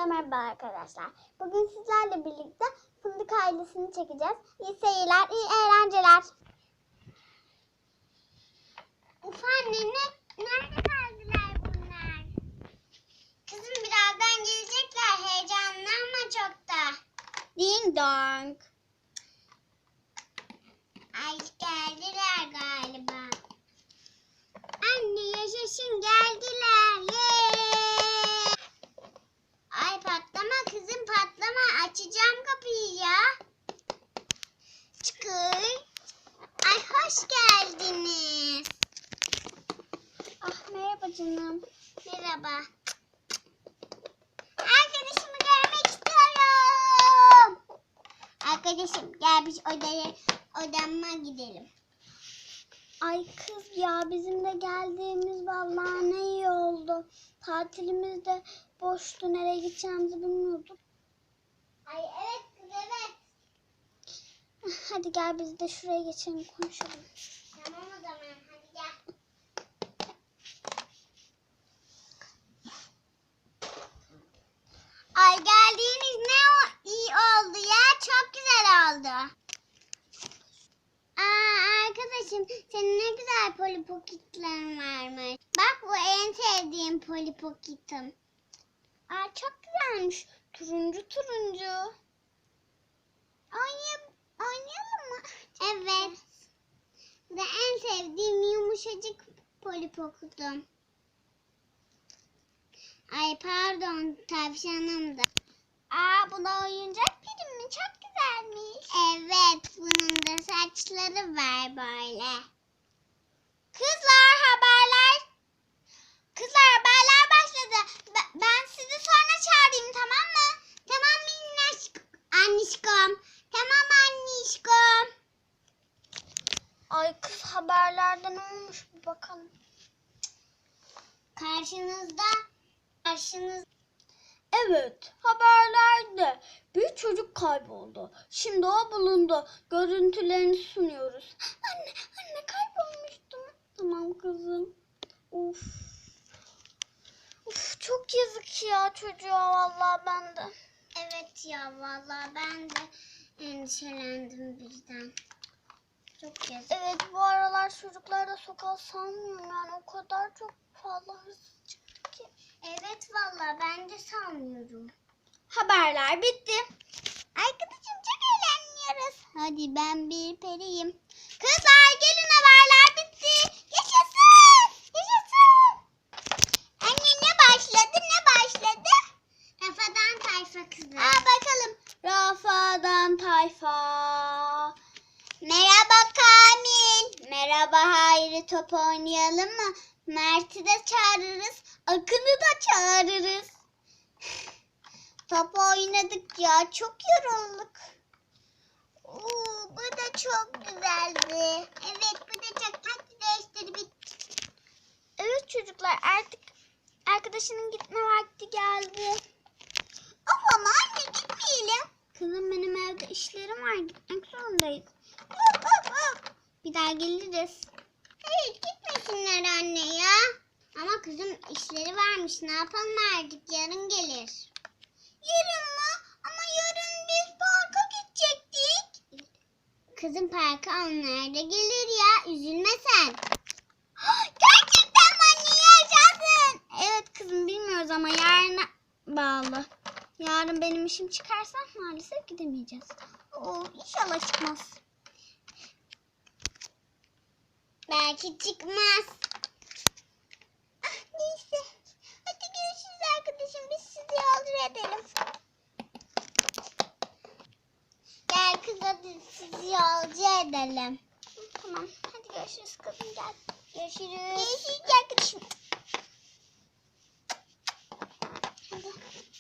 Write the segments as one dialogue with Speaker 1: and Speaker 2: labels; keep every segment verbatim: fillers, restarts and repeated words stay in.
Speaker 1: Herkese merhaba arkadaşlar. Bugün sizlerle birlikte Fındık ailesini çekeceğiz. İyi seyirler, iyi eğlenceler. Uf anne, ne, nerede kaldılar bunlar? Kızım birazdan gelecekler. Heyecanlanma çok da. Ding dong. Ay geldiler galiba. Anne yaşasın, geldiler. Yeee. Ay patlama kızım, patlama. Açacağım kapıyı ya. Çıkın. Ay hoş geldiniz. Ah merhaba canım. Merhaba. Arkadaşımı görmek istiyorum. Arkadaşım gel biz odaya, odama gidelim. Ay kız ya, bizim de geldiğimiz vallahi ne iyi oldu. Tatilimiz de boştu, nereye gideceğimizi bilmiyorduk. Ay evet kız evet. Hadi gel biz de şuraya geçelim konuşalım. Tamam o zaman hadi gel. Ay geldiğiniz ne o iyi oldu ya, çok güzel oldu. Aa arkadaşım, senin ne güzel Polly Pocket'lerin varmış. Bak bu en sevdiğim Polly Pocket'im. Aa çok güzelmiş. Turuncu turuncu. Oynayalım, oynayalım mı? Evet. Bu da en sevdiğim yumuşacık Polly Pocket'im. Ay pardon tavşanım da. Aa bu da oyuncak prim mi? Çok güzelmiş. Evet, bunun da saçları var böyle. Kızlar haberler. Kızlar haberler başladı. B- ben sizi sonra çağırayım, tamam mı? Tamam minnaş annişkom. Tamam annişkom. Ay kız haberlerde ne olmuş bir bakalım. Karşınızda. Karşınızda.
Speaker 2: Evet, haberlerde bir çocuk kayboldu. Şimdi o bulundu. Görüntülerini sunuyoruz.
Speaker 1: Anne, anne kaybolmuştum.
Speaker 2: Tamam kızım.
Speaker 1: Uf. Uf çok yazık ya çocuğa, vallahi ben de. Evet ya, vallahi ben de endişelendim birden. Çok yazık.
Speaker 2: Evet, bu aralar çocuklar da sokağa salmıyorum. Yani o kadar çok fazla hırsız çıktı ki.
Speaker 1: Evet vallahi ben de sanmıyorum.
Speaker 2: Haberler bitti.
Speaker 1: Arkadaşım çok eğleniyoruz. Hadi ben bir periyim. Kızlar gelin, haberler bitti. Yaşasın. Yaşasın. Anne ne başladı ne başladı? Rafadan Tayfa kızı. Aa bakalım.
Speaker 2: Rafadan Tayfa.
Speaker 1: Merhaba Kamil. Merhaba Hayri, top oynayalım mı? Mert'i de çağırırız. Akın'ı da çağırırız. Top oynadık ya, çok yorulduk. Oo, bu da çok güzeldi. Evet bu da çok. Hadi değiştir bir.
Speaker 2: Evet çocuklar, artık arkadaşının gitme vakti geldi.
Speaker 1: Of ama anne gitmeyelim.
Speaker 2: Kızım benim evde işlerim var, gitmek zorundayız.
Speaker 1: Of of of. Bir daha geliriz. Hayır gitmesinler anne ya. Ama kızım işleri varmış, ne yapalım artık, yarın gelir. Yarın mı? Ama yarın biz parka gidecektik. Kızım parka onlar da gelir ya, üzülme sen. Gerçekten mi anne, yaşasın?
Speaker 2: Evet kızım, bilmiyoruz ama yarına bağlı. Yarın benim işim çıkarsa maalesef gidemeyeceğiz.
Speaker 1: Oo, inşallah çıkmaz. Belki çıkmaz. Ah, neyse. Hadi görüşürüz arkadaşım. Biz sizi yolcu edelim. Gel kız, hadi sizi yolcu edelim.
Speaker 2: Tamam, hadi görüşürüz kızım, gel.
Speaker 1: Görüşürüz. Görüşürüz arkadaşım. Hadi.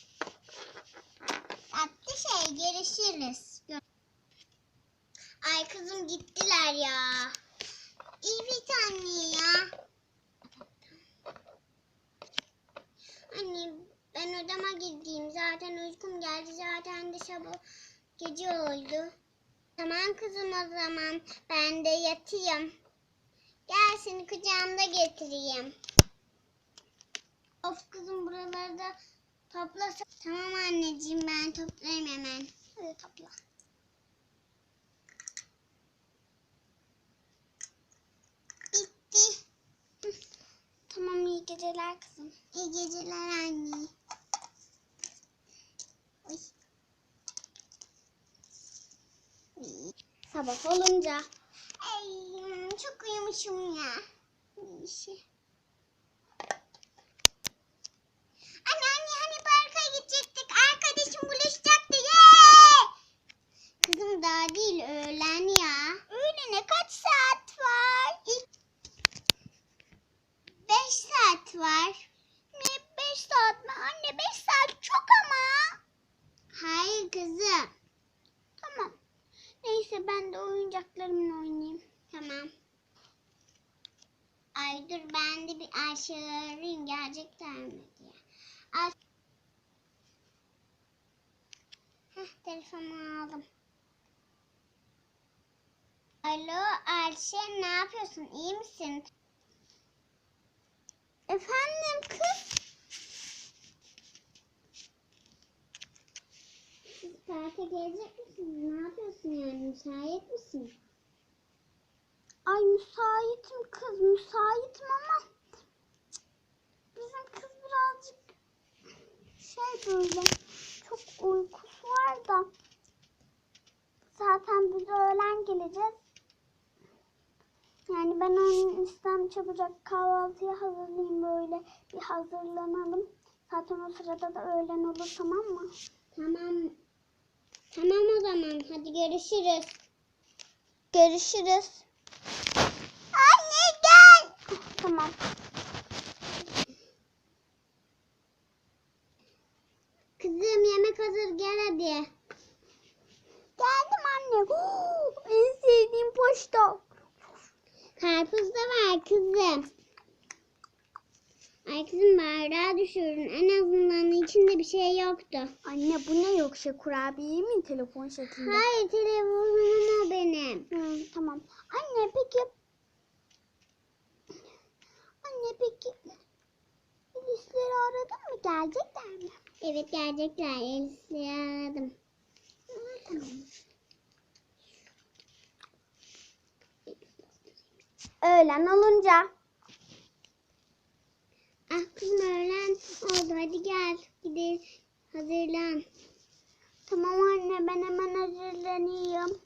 Speaker 1: Tatlı şey, görüşürüz. Ay kızım gittiler ya. Evet anne ya. Anne ben odama gideyim. Zaten uykum geldi. Zaten de sabah gece oldu. Tamam kızım o zaman. Ben de yatayım. Gel seni kucağımda getireyim. Of kızım buralarda Topla. Tamam anneciğim, ben toplarım hemen.
Speaker 2: Hadi topla.
Speaker 1: Bitti.
Speaker 2: Tamam, iyi geceler kızım.
Speaker 1: İyi geceler anne. Oy.
Speaker 2: Sabah olunca.
Speaker 1: Ay, çok uyumuşum ya. İşi. Anne anne hani parka gidecektik. Arkadaşım buluşacaktı. Yee! Kızım daha değil, öğlen ya. Öğlene kaç saat var? İlk... Beş saat var. Ne beş saat mi? Anne beş saat çok ama. Hayır kızım.
Speaker 2: Tamam. Neyse, ben de oyuncaklarımla oynayayım.
Speaker 1: Tamam. Ay dur, ben de bir Ayşe'yi arayayım, gelecekler mi diye. Ay... Heh, telefonu aldım. Alo Ayşe, ne yapıyorsun? İyi misin?
Speaker 2: Efendim kız?
Speaker 1: Siz parka gelecek misiniz? Ne yapıyorsun yani? Müsait misin?
Speaker 2: Ay müsaitim kız, müsaitim ama bizim kız birazcık şey böyle çok uykusu var da zaten biz öğlen geleceğiz. Yani ben onun istem çabucak kahvaltıya hazırlayayım, böyle bir hazırlanalım. Zaten o sırada da öğlen olur, tamam mı?
Speaker 1: Tamam. Tamam o zaman. Hadi görüşürüz.
Speaker 2: Görüşürüz.
Speaker 1: Anne gel.
Speaker 2: Tamam.
Speaker 1: Kızım yemek hazır, gel hadi.
Speaker 2: Geldim anne. Oo, en sevdiğim poşta.
Speaker 1: Karpuz da var kızım. Ay kızım, bardağı düşürdün. En azından içinde bir şey yoktu.
Speaker 2: Anne bu ne, yoksa kurabiye mi telefon şeklinde?
Speaker 1: Hayır, telefonum o benim.
Speaker 2: Hı, tamam. Anne peki. Anne peki. Polisleri aradın mı? Gelecekler mi?
Speaker 1: Evet, gelecekler. Elif'i aradım.
Speaker 2: Hı, tamam. Öğlen olunca.
Speaker 1: Ah kızım, öğlen oldu. Hadi gel. Gidelim. Hazırlan.
Speaker 2: Tamam anne, ben hemen hazırlanayım.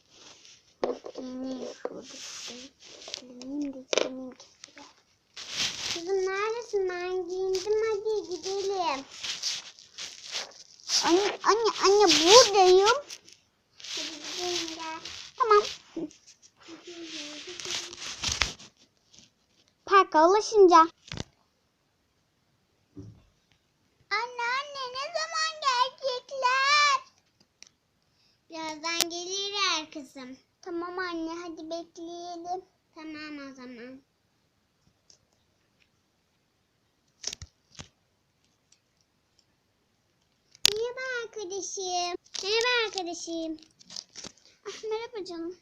Speaker 1: Kızım neredesin? Ben giyindim. Hadi gidelim.
Speaker 2: Anne anne anne buradayım.
Speaker 1: Hadi gidelim, gel.
Speaker 2: Tamam. Parka ulaşınca.
Speaker 1: Anne anne, ne zaman gelecekler? Birazdan gelirler kızım.
Speaker 2: Tamam anne, hadi bekleyelim.
Speaker 1: Tamam o zaman. Merhaba arkadaşım. Merhaba arkadaşım.
Speaker 2: Ah, merhaba canım.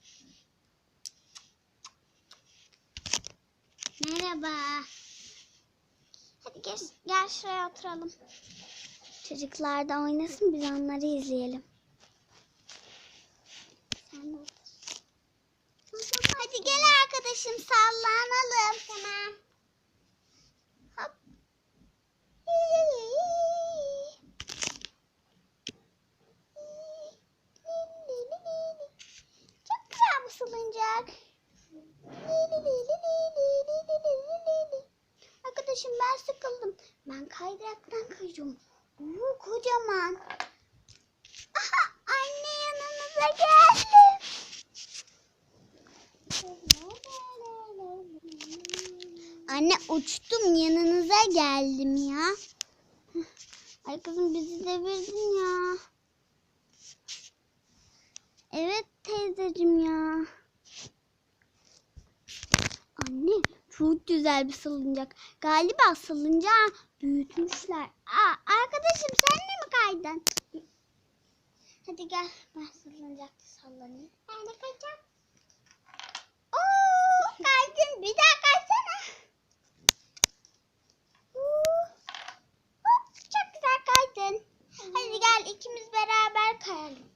Speaker 1: Merhaba.
Speaker 2: Hadi gel, gel şuraya oturalım. Çocuklar da oynasın, biz onları izleyelim. Sen de otur.
Speaker 1: Hadi gel arkadaşım, sallanalım. Tamam. Hop.
Speaker 2: Çok güzel bu salıncak. Arkadaşım ben sıkıldım. Ben kaydıraktan kayacağım. Oo, kocaman. Aha, anne yanımıza geldi. Anne uçtum, yanınıza geldim ya. Ay kızım, bizi devirdin ya. Evet teyzeciğim ya. Anne çok güzel bir salıncak. Galiba salıncağı büyütmüşler. Aa, arkadaşım sen de mi kaydın? Hadi gel, ben salıncakta sallanayım.
Speaker 1: Ben de kaçacağım.
Speaker 2: Oo, kaydın, bir daha kaysana. Oo, hop, çok gel ikimiz beraber kayalım.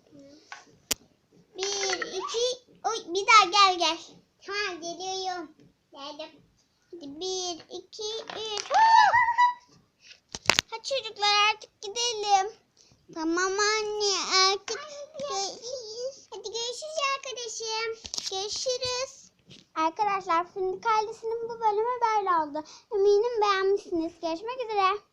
Speaker 2: Bir, iki, oy bir daha gel gel.
Speaker 1: Tamam geliyorum. Geldim.
Speaker 2: Hadi bir, iki, üç. Hadi çocuklar artık gidelim. Tamam anne artık.
Speaker 1: Görüşürüz. Hadi görüşürüz arkadaşım.
Speaker 2: Görüşürüz. Arkadaşlar Fındık ailesinin bu bölümü böyle oldu. Eminim beğenmişsiniz. Görüşmek üzere.